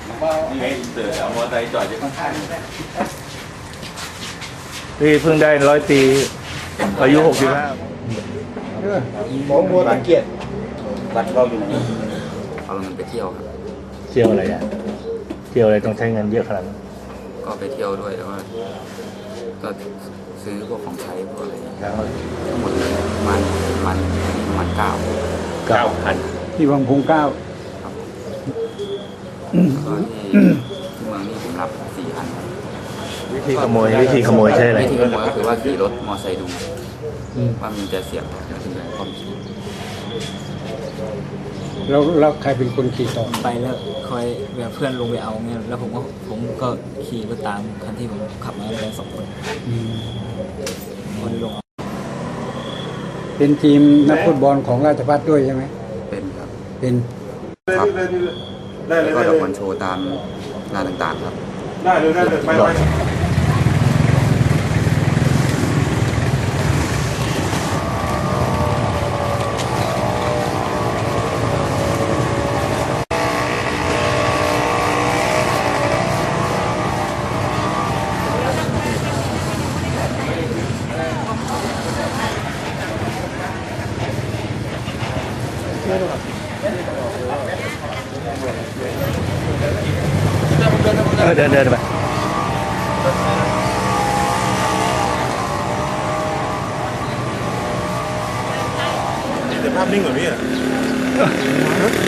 นี่ไงเสือเอามอเตอร์ไซค์จอดอยู่ข้างๆนี่เพิ่งได้100 ปีอายุ 65 หมอบัวตะเกียรติวัดเราอยู่ไหนเอาเงินไปเที่ยวครับเที่ยวอะไรอ่ะเที่ยวอะไรต้องใช้เงินเยอะขนาดนั้นก็ไปเที่ยวด้วยแล้วก็ซื้อพวกของใช้พวกอะไรอย่างเงี้ยแล้วทั้งหมดเลยประมาณ9 9,000 ที่วังพุงเก้าครับแล้วก็ที่เมืองนี่ผมรับ4,000ครับวิธีขโมยใช่อะไรวิธีขโมยก็คือว่าขี่รถมอเตอร์ไซค์ดูว่ามีแต่เสียงถึงจะความคิดแล้วใครเป็นคนขี่ต่อไปแล้วคอยแบบเพื่อนลงไปเอาเงี้ยแล้วผมก็ขี่รถตามคันที่ผมขับมาด้วย2 คนคนลงเอาเป็นทีมนักฟุตบอลของราชภัฏด้วยใช่ไหมเป็นครับเป็นครับแล้วก็ดอกบอลโชว์ตามงานต่างๆครับได้เลยไปเดินไปภาพนิ่งเหรอพี่